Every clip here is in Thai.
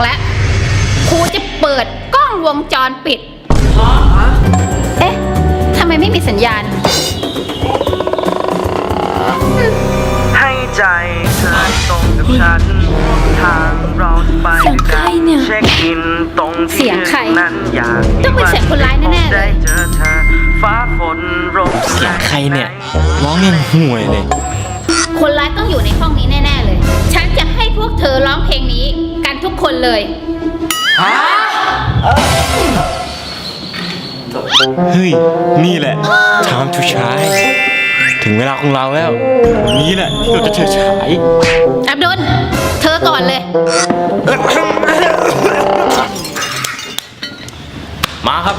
แล้วครูจะเปิดกล้องวงจรปิดเอ๊ะทำไมไม่มีสัญญาณให้ใจเธอตรงกับฉันทางเราจะไปด้วยกันเช็คอินตรงที่นั้นอยากต้องเป็นเสียงคนร้ายแน่ๆเลยเจอเธอฟ้าฝนลมเสียงใครเนี่ยร้องยังห่วยเลยคนร้ายต้องอยู่ในห้องนี้แน่ๆเลยฉันจะให้พวกเธอร้องเพลงนี้กันทุกคนเลยเฮ้ยนี่แหละ time to shine ถึงเวลาของเราแล้ววันนี้แหละที่เราจะเฉิดฉายอับดุลเธอก่อนเลยมาครับ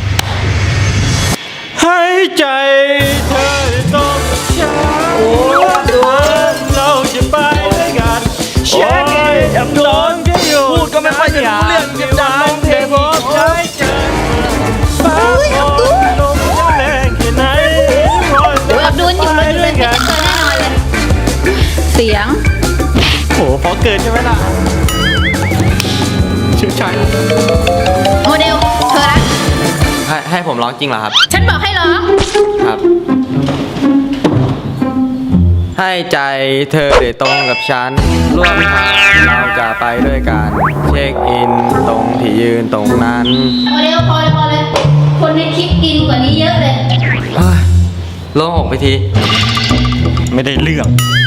ให้ใจเธอต้องฉันเราจะไปด้วยกันเช็คอับดุลพูดก็ไม่ค่อยจะรู้เรื่องจะดังเพลงบอกใจเจอฟ้าฝนลมจะแรงแค่ไหนอับดุลอยู่เลยไม่เจอแน่นอนเลยเสียงโหพอเกินใช่ไหมล่ะเชื่อใจโมเดลเธอละให้ผมร้องจริงเหรอครับฉันบอกให้ร้องครับให้ใจเธอได้ตรงกับฉันร่วมทางเราจะไปด้วยกันเช็คอินตรงที่ยืนตรงนั้นโมเดลพอเลยคนในคลิปอินกว่านี้เยอะเลยโล่งอกไปทีไม่ได้เรื่อง